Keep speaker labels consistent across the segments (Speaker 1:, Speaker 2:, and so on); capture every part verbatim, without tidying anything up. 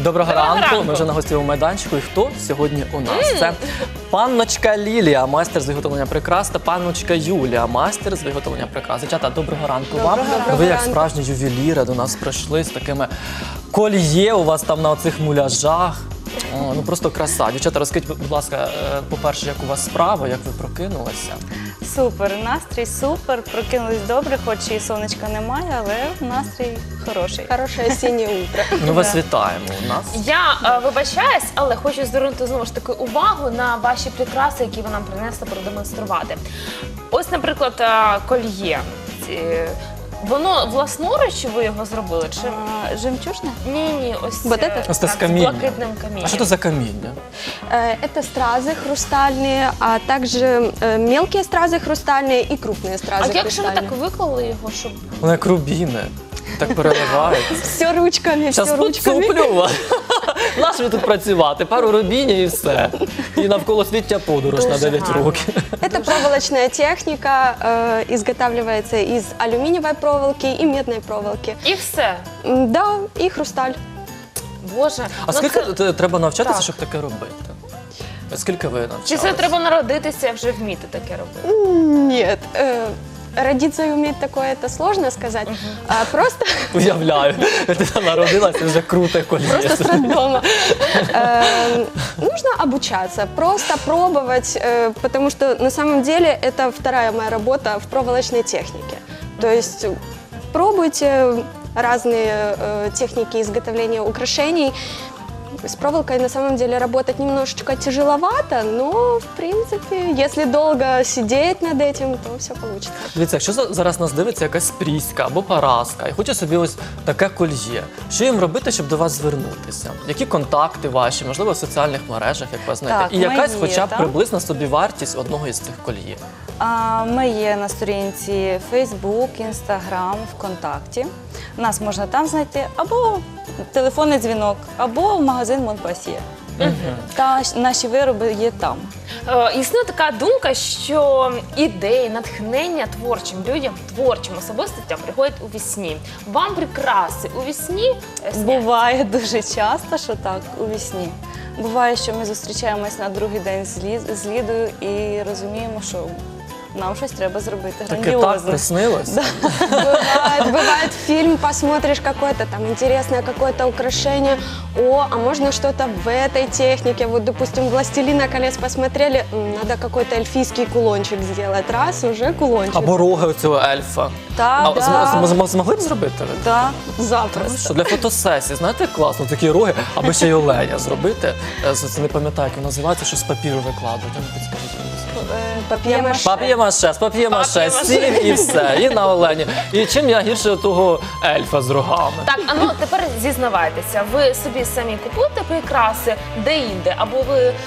Speaker 1: Доброго,
Speaker 2: Доброго
Speaker 1: ранку.
Speaker 2: ранку.
Speaker 1: Ми вже на гостєвому майданчику. І хто сьогодні у нас? Це панночка Лілія, майстер з виготовлення прикрас, та панночка Юлія, майстер з виготовлення прикрас. Дівчата, доброго ранку вам.
Speaker 3: Доброго
Speaker 1: Ви як
Speaker 3: ранку.
Speaker 1: справжні ювеліри до нас прийшли з такими кольє у вас там на оцих муляжах. О, ну просто краса. Дівчата, розкажіть, будь ласка, е, по-перше, як у вас справа, як ви прокинулися?
Speaker 3: Супер, настрій супер, прокинулись добре, хоч і сонечка немає, але настрій хороший.
Speaker 4: Хорошее осеннее утро.
Speaker 1: Ми вас вітаємо у нас.
Speaker 2: Я е, вибачаюсь, але хочу звернути знову ж таки увагу на ваші прикраси, які ви нам принесли продемонструвати. Ось, наприклад, е, кольє. Ці- Воно власноруч ви його зробили? Чи
Speaker 3: А, жемчужне?
Speaker 2: ні, ні, ось
Speaker 4: Вот
Speaker 2: е,
Speaker 4: это?
Speaker 1: Ось це з
Speaker 2: так,
Speaker 1: каміння.
Speaker 2: блакитним камінням.
Speaker 1: А що це за каміння?
Speaker 4: Э, Это стразы хрустальные, а также э, мелкие стразы хрустальные и крупные
Speaker 2: А
Speaker 4: стразы
Speaker 2: як же ви
Speaker 4: хрустальные.
Speaker 2: так виклали його, щоб
Speaker 1: Воно як рубіни. Так переливається.
Speaker 4: Все ручками, все
Speaker 1: Зараз
Speaker 4: ручками.
Speaker 1: поцуплю вас. Наш ви тут працювати, пару рубінів і все. І навколо свіття подорож на
Speaker 2: Дуже
Speaker 1: дев'ять
Speaker 2: гарно.
Speaker 1: років.
Speaker 4: Это проволочная техника, э, изготавливается из алюминиевой проволоки и медной проволоки.
Speaker 2: і все?
Speaker 4: М, Да, и хрусталь.
Speaker 2: Боже,
Speaker 1: А
Speaker 2: ну
Speaker 1: скільки
Speaker 2: це-
Speaker 1: те- треба навчатися,
Speaker 2: Так.
Speaker 1: щоб таке робити? Скільки ви
Speaker 2: Чи
Speaker 1: навчалися?
Speaker 2: це треба народитися вже вміти таке робити?
Speaker 4: Нет, э, родиться и уметь такое, это сложно сказать. А, Просто
Speaker 1: Уявляю, ти народилася, вже круте коліє.
Speaker 4: Просто с роддома. Э, Нужно обучаться, просто пробовать, э, потому что на самом деле это вторая моя работа в проволочной технике. То есть пробуйте разные э, техники изготовления украшений. С проволокой на самом деле работать немножечко тяжеловато, но в принципе, если долго сидеть над этим, то все получится.
Speaker 1: Дивіться, якщо за- зараз нас дивиться якась Пріська або Параска і хоче собі ось таке кольє, що їм робити, щоб до вас звернутися? Які контакти ваші, можливо, в соціальних мережах, як вас знайти?
Speaker 3: Так,
Speaker 1: І якась
Speaker 3: ми є,
Speaker 1: хоча б
Speaker 3: так.
Speaker 1: приблизна собівартість одного із цих кольє.
Speaker 3: А, Ми є на сторінці Facebook, Instagram, ВКонтакті. Нас можна там знайти або телефонний дзвінок, або в магазин Монпасьє. Та ж- наші вироби є там.
Speaker 2: Е, Існує така думка, що ідеї, натхнення творчим людям, творчим особистостям приходять у вісні. Вам прикраси у вісні е, сняться?
Speaker 3: Буває дуже часто, що так, у вісні. Буває, що ми зустрічаємось на другий день з, Лі- з Лідою і розуміємо, що нам щось треба зробити
Speaker 1: Таке так
Speaker 3: грандіозне.
Speaker 1: приснилось?
Speaker 4: Бывает, бывает, фильм посмотришь какое-то там интересное какое-то украшение, о, а можно что-то в этой технике, вот, допустим, «Властелина колец» посмотрели, м, надо какой-то эльфийский кулончик сделать, раз, уже кулончик.
Speaker 1: Або роги цього ельфа.
Speaker 3: Так,
Speaker 1: А
Speaker 3: да.
Speaker 1: зм- зм- змогли б зробити ви?
Speaker 3: Да.
Speaker 4: Запросто.
Speaker 1: Що для фотосесії, знаєте, як класно, такі роги, аби ще й оленя зробити. Е, Це не пам'ятаю, як воно називається, що з папіру викладуть. А ну, підскажіть, мені, скажіть.
Speaker 3: Е,
Speaker 4: Пап'є-маше.
Speaker 1: Пап'є-маше, з пап'є-маше,
Speaker 2: Пап'є-маше.
Speaker 1: сів і все, і на олені. І чим я гірше того ельфа з рогами?
Speaker 2: Так, а ну тепер зізнавайтеся, ви собі самі купуєте прикраси де-інде, або ви е,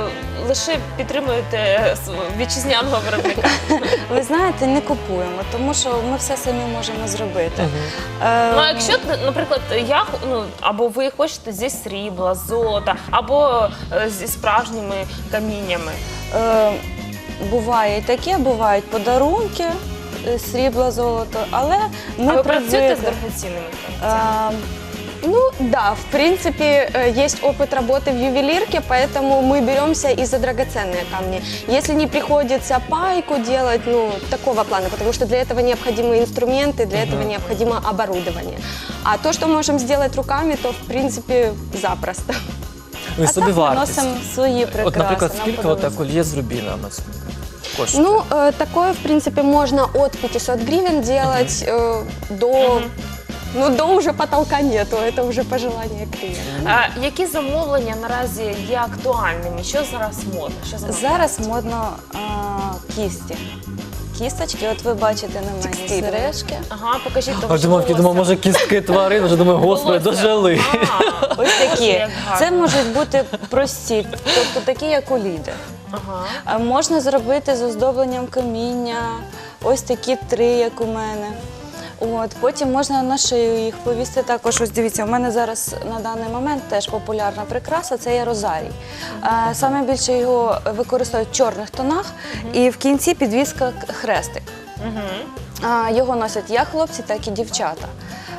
Speaker 2: лише підтримуєте е, свого вітчизняного виробника?
Speaker 3: Ви знаєте, не купуємо, тому що ми все самі можемо зробити. Е,
Speaker 2: Ну, а якщо, наприклад, я ну або ви хочете зі срібла, золота, або е, зі справжніми каміннями.
Speaker 3: е, буває і таке, бувають подарунки, е, срібло, золото, але ми
Speaker 2: А ви працюєте з
Speaker 3: привикли.
Speaker 2: дорогоцінними камінцями?
Speaker 3: Е,
Speaker 4: Ну да, в принципе, э, есть опыт работы в ювелирке, поэтому мы беремся и за драгоценные камни. Если не приходится пайку делать, ну, такого плана, потому что для этого необходимы инструменты, для этого необходимо оборудование. А то, что можем сделать руками, то, в принципе, запросто.
Speaker 1: Ну, і
Speaker 3: а так
Speaker 1: собі
Speaker 3: ми
Speaker 1: вартість.
Speaker 3: носимо свої прикраси.
Speaker 1: От, наприклад,
Speaker 3: нам
Speaker 1: скільки
Speaker 3: подобається.
Speaker 1: отак кольє з рубінами коштує?
Speaker 4: Ну, э, такое, в принципе, можно от пятисот гривен делать э, до... Ну, до уже потолка нету, это уже пожелание клиента.
Speaker 2: А які замовлення наразі є актуальними? Що зараз модно? Що зараз?
Speaker 3: Зараз модно а, кісті. Кісточки, от ви бачите на мені
Speaker 4: Текстильні.
Speaker 3: сережки.
Speaker 2: Ага, покажіть
Speaker 1: А
Speaker 2: довше
Speaker 1: думав, я думав, може кістки тварин, вже думаю, господи,
Speaker 2: Волосся.
Speaker 1: дожили.
Speaker 2: А,
Speaker 3: Ось такі.
Speaker 2: як гарно.
Speaker 3: Це можуть бути прості, тобто такі, як у Ліди.
Speaker 2: Ага.
Speaker 3: А можна зробити з оздобленням каміння, ось такі три, як у мене. От, потім можна на шию їх повісти також. Ось дивіться, у мене зараз на даний момент теж популярна прикраса, це є розарій. Е, Саме більше його використовують в чорних тонах і в кінці підвіска к- хрестик. А, Його носять як хлопці, так і дівчата.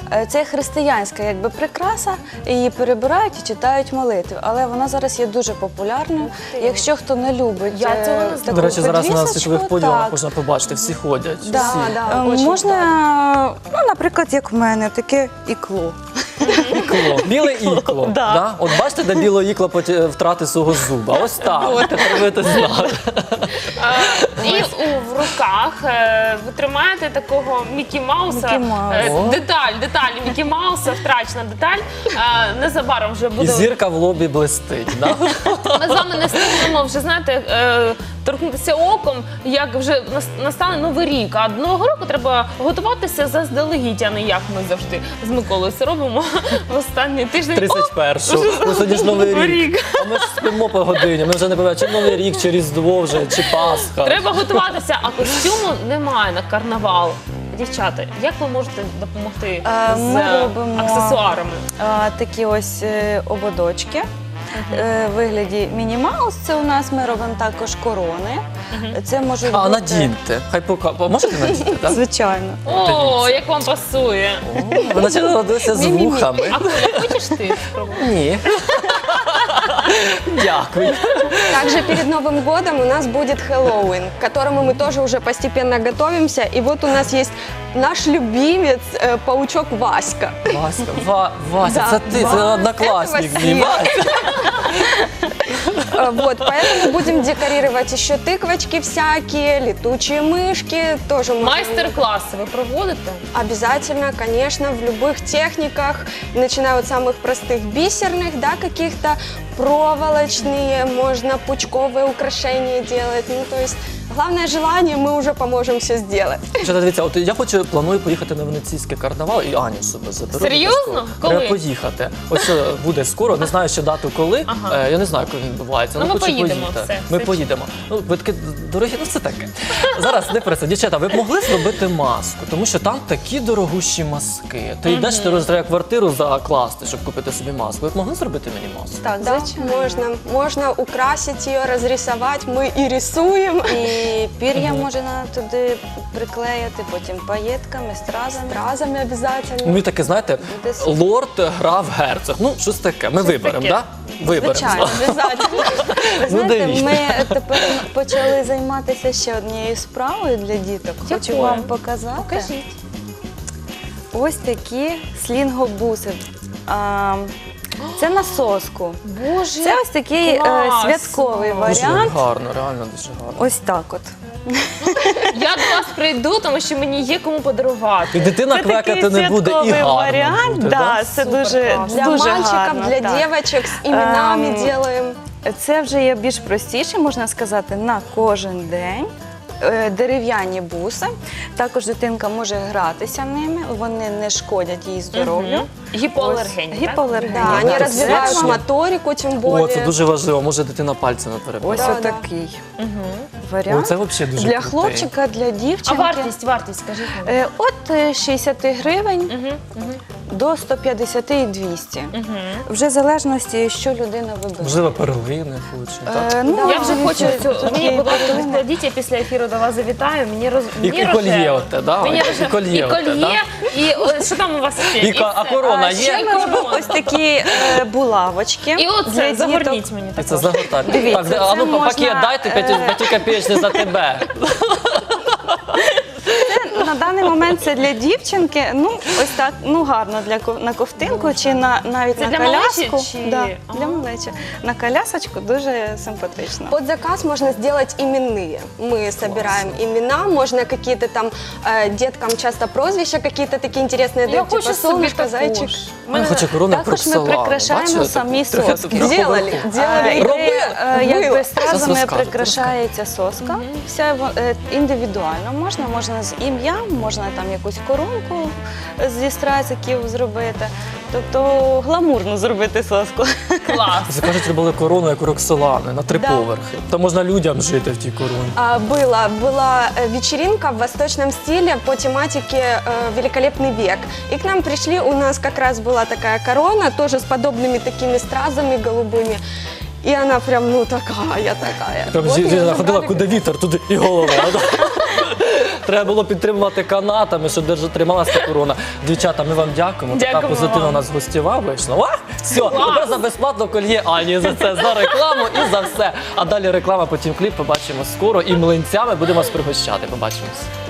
Speaker 3: Е, Це християнська якби прикраса, її перебирають і читають молитви. Але вона зараз є дуже популярною. Якщо хто не любить
Speaker 2: Я
Speaker 3: е,
Speaker 2: цього не
Speaker 3: таку
Speaker 2: знала.
Speaker 1: До речі, зараз на
Speaker 3: підвісочку,
Speaker 1: світових подіумах
Speaker 3: так.
Speaker 1: можна побачити, всі ходять.
Speaker 3: Да,
Speaker 1: всі.
Speaker 4: да.
Speaker 3: Е,
Speaker 4: Очень
Speaker 3: Можна, ну, наприклад, як в мене, таке ікло.
Speaker 1: Ікло. Біле ікло.
Speaker 3: Да.
Speaker 1: Да? От бачите, де біле ікло поті- втратить свого зуба. Ось так. Тепер ви це знали.
Speaker 2: Е, І у, в руках е, ви тримаєте такого Мікі Мауса.
Speaker 3: Мікі Маус.
Speaker 2: Е,
Speaker 1: О.
Speaker 2: Деталь, деталь Мікі Мауса, втрачена деталь. Е, Незабаром вже
Speaker 1: І
Speaker 2: буде.
Speaker 1: зірка в лобі блистить. Да?
Speaker 2: Ми з вами не встигнемо вже, знаєте, е, торкнутися оком, як вже нас- настане новий рік. А до нового року треба готуватися заздалегідь, а не як ми завжди з Миколою це робимо в останній тиждень.
Speaker 1: тридцять першого. Ну, сьогодні ж новий
Speaker 2: Новий
Speaker 1: рік.
Speaker 2: рік.
Speaker 1: А ми ж спимо по годині. Ми вже не пам'ятаємо, чи новий рік, чи Різдво вже, чи Пасха.
Speaker 2: Треба готуватися, а костюму немає на карнавал. Дівчата, як ви можете допомогти
Speaker 3: Е,
Speaker 2: з
Speaker 3: ми
Speaker 2: е,
Speaker 3: робимо-
Speaker 2: аксесуарами?
Speaker 3: А, такі ось е, ободочки. Е, в вигляді міні-маус. Це у нас ми робимо також корони. Це можуть
Speaker 1: А,
Speaker 3: бути...
Speaker 1: надіньте. Хай пока. Можете надіти, так?
Speaker 3: Звичайно.
Speaker 2: О, як вам пасує.
Speaker 1: Ви наче народилися з вухами.
Speaker 2: А Коля, хочеш ти спробувати?
Speaker 1: Ні. Дякую.
Speaker 4: Также перед Новым годом у нас будет Хэллоуин, к которому мы тоже уже постепенно готовимся. И вот у нас есть наш любимец, э, паучок Васька.
Speaker 1: Васька, Ва, Вася,
Speaker 4: Да,
Speaker 1: це ти, це
Speaker 4: Ва-
Speaker 1: однокласник
Speaker 4: це
Speaker 1: мій.
Speaker 4: Василь.
Speaker 1: Вася.
Speaker 4: Э, Вот, поэтому будем декорировать еще тыквочки всякие, летучие мышки. Тоже можем-
Speaker 2: Майстер-класи ви проводите?
Speaker 4: Обязательно, конечно, в любых техниках, начиная от самых простых бисерных, да, каких-то проволочные, можно пучковые украшения делать. Ну, то есть, главное желание, мы уже поможем все сделать.
Speaker 1: Що, дивіться, от я хочу, планую поїхати на венеційський карнавал і Аню з собою заберу.
Speaker 2: Серйозно?
Speaker 1: обов'язково.
Speaker 2: Коли?
Speaker 1: Треба поїхати. Ось е, буде скоро, не знаю ще дату коли.
Speaker 2: Ага.
Speaker 1: Е, Я не знаю, коли він відбувається.
Speaker 2: Ну, ми
Speaker 1: хочу
Speaker 2: поїдемо,
Speaker 1: поїхати.
Speaker 2: все,
Speaker 1: Ми
Speaker 2: все
Speaker 1: поїдемо. Ну, ви такі дорогі, ну це таке. Зараз не про це. Дівчата, ви б могли зробити маску, тому що там такі дорогущі маски. Ти йдеш, ти роз- треба квартиру закласти, щоб купити собі маску. Ви б могли зробити мені маску?
Speaker 3: Так,
Speaker 4: Да,
Speaker 3: звичайно.
Speaker 4: можно, можно украсить ее, разрисовать, мы и рисуем.
Speaker 3: І пір'я можна туди приклеїти, потім паєтками, стразами.
Speaker 4: Разами обязательно.
Speaker 1: Ми таке, знаєте,
Speaker 3: Буде супер.
Speaker 1: лорд грав герцог. Ну, щось таке. Ми виберемо,
Speaker 2: таке?
Speaker 1: так? Да? Виберемо.
Speaker 3: Звичайно, обов'язково. Ви
Speaker 1: Ну,
Speaker 3: знаєте,
Speaker 1: дивіться.
Speaker 3: ми тепер почали займатися ще однією справою для діток. Хочу
Speaker 2: Якою?
Speaker 3: вам показати.
Speaker 2: Покажіть.
Speaker 3: Ось такі слінгобуси. А, Це на соску.
Speaker 2: Боже,
Speaker 3: Це ось такий е,
Speaker 2: класно.
Speaker 3: святковий
Speaker 1: Дуже
Speaker 3: варіант.
Speaker 1: гарно, реально дуже гарно.
Speaker 3: Ось так от.
Speaker 2: я до вас прийду, тому що мені є кому подарувати.
Speaker 1: І дитина
Speaker 3: Це
Speaker 1: квекати
Speaker 3: такий
Speaker 1: не буде, і
Speaker 3: святковий
Speaker 1: гарно
Speaker 3: варіант.
Speaker 1: буде,
Speaker 3: да,
Speaker 1: да?
Speaker 3: це
Speaker 2: Супер
Speaker 3: дуже,
Speaker 2: класно.
Speaker 4: Для
Speaker 3: дуже
Speaker 4: мальчиков,
Speaker 3: гарно,
Speaker 4: для
Speaker 3: так.
Speaker 4: девочек с именами
Speaker 3: Ем,
Speaker 4: делаем.
Speaker 3: Це вже є більш простіше, можна сказати, на кожен день. Е, Дерев'яні буси. Також дитинка може гратися ними, вони не шкодять їй здоров'ю.
Speaker 2: Мгм. Гіпоалергенні,
Speaker 3: Ось,
Speaker 2: так?
Speaker 3: Гіпоалергенні.
Speaker 4: Да, они
Speaker 1: так,
Speaker 4: развивают
Speaker 1: точно.
Speaker 4: моторику, тем
Speaker 1: О,
Speaker 4: более.
Speaker 1: це дуже важливо, може дитина пальці не перебирає.
Speaker 3: Ось
Speaker 4: Да, да.
Speaker 3: отакий
Speaker 1: О,
Speaker 3: варіант.
Speaker 1: це взагалі дуже
Speaker 3: Для
Speaker 1: крутий.
Speaker 3: хлопчика, для
Speaker 2: А
Speaker 3: дівчинки.
Speaker 2: вартість, вартість, скажіть мені.
Speaker 3: Е, От е, шістдесят гривень
Speaker 2: Мгм, мгм,
Speaker 3: до сто п'ятдесят і двісті.
Speaker 2: мгм.
Speaker 3: Вже в залежності, що людина вибере.
Speaker 1: Можливо, перлини хоче, так?
Speaker 3: Е, ну,
Speaker 2: Я вже хочу
Speaker 3: тут
Speaker 2: цю. Мені,
Speaker 3: є
Speaker 2: будь ласка,
Speaker 3: перлини.
Speaker 2: відкладіть, я після ефіру до вас завітаю. Мені роз
Speaker 1: І-
Speaker 2: мені
Speaker 1: і кольє
Speaker 2: рожево.
Speaker 1: оте, да?
Speaker 2: Мені
Speaker 1: І
Speaker 2: рожево.
Speaker 1: кольє
Speaker 2: І
Speaker 1: оте,
Speaker 2: кольє, і о, що там у вас ще?
Speaker 1: І ка- а
Speaker 2: все.
Speaker 1: корона
Speaker 3: А
Speaker 1: є?
Speaker 3: ще ми робимо ось такі е, булавочки.
Speaker 2: І
Speaker 3: для
Speaker 2: оце,
Speaker 3: діток.
Speaker 2: загорніть мені
Speaker 1: І
Speaker 2: також.
Speaker 1: це загортати.
Speaker 3: Дивіться,
Speaker 1: Так, а
Speaker 3: це
Speaker 1: ну
Speaker 3: можна,
Speaker 1: пакет дайте
Speaker 3: е,
Speaker 1: п'ятикопеечний за тебе.
Speaker 3: На даний момент це для дівчинки, ну ось так, ну гарно для ко- на ковтинку чи на навіть
Speaker 2: Це
Speaker 3: на
Speaker 2: для
Speaker 3: коляску.
Speaker 2: малечі чи-
Speaker 3: Да,
Speaker 2: Ага.
Speaker 3: для малечі. На колясочку дуже симпатично.
Speaker 4: Под заказ можно сделать именные. Мы собираем имена, можно какие-то там э, деткам часто прозвища какие-то такие интересные
Speaker 2: Я
Speaker 4: дают,
Speaker 2: хочу
Speaker 4: типа
Speaker 2: собі
Speaker 4: солнышко,
Speaker 2: також.
Speaker 4: зайчик.
Speaker 1: Я хочу корону
Speaker 3: Також ми
Speaker 1: Роксолану.
Speaker 3: прикрашаємо
Speaker 1: Бачили
Speaker 3: самі
Speaker 1: таку?
Speaker 3: соски.
Speaker 1: Трохи
Speaker 4: Делали,
Speaker 1: вверху.
Speaker 4: делали.
Speaker 3: Е,
Speaker 1: Робили?
Speaker 3: е,
Speaker 4: Було.
Speaker 3: Якби
Speaker 1: Зараз
Speaker 3: стразами
Speaker 1: розкажете,
Speaker 3: прикрашається соска. Вся во- е, індивідуально можна, можна з ім'ям, можна там якусь коронку зі стразиків зробити. Тобто гламурно зробити соску.
Speaker 2: Клас.
Speaker 1: Це кажуть, робили корону, як у Роксолани, на три
Speaker 4: Да.
Speaker 1: поверхи. Та можна людям жити в тій короні.
Speaker 4: А, Было, была э, вечеринка в восточном стиле по тематике э, «Великолепный век». И к нам пришли, у нас как раз была такая корона, тоже с подобными такими стразами голубыми. И она прям, ну, такая, такая.
Speaker 1: Там
Speaker 4: Вот
Speaker 1: жінка
Speaker 4: её
Speaker 1: ходила,
Speaker 4: забрали.
Speaker 1: куди вітер, туди і голова. Треба було підтримувати канатами, щоб держа- трималася корона. Дівчата, ми вам дякуємо. Така
Speaker 2: Дякуємо
Speaker 1: позитивна у
Speaker 2: вам.
Speaker 1: нас гостєва вийшла. О, все, тепер за безплатно кольє Ані за це, за рекламу і за все. А далі реклама, потім кліп. Побачимо скоро. І млинцями будемо вас пригощати. Побачимось.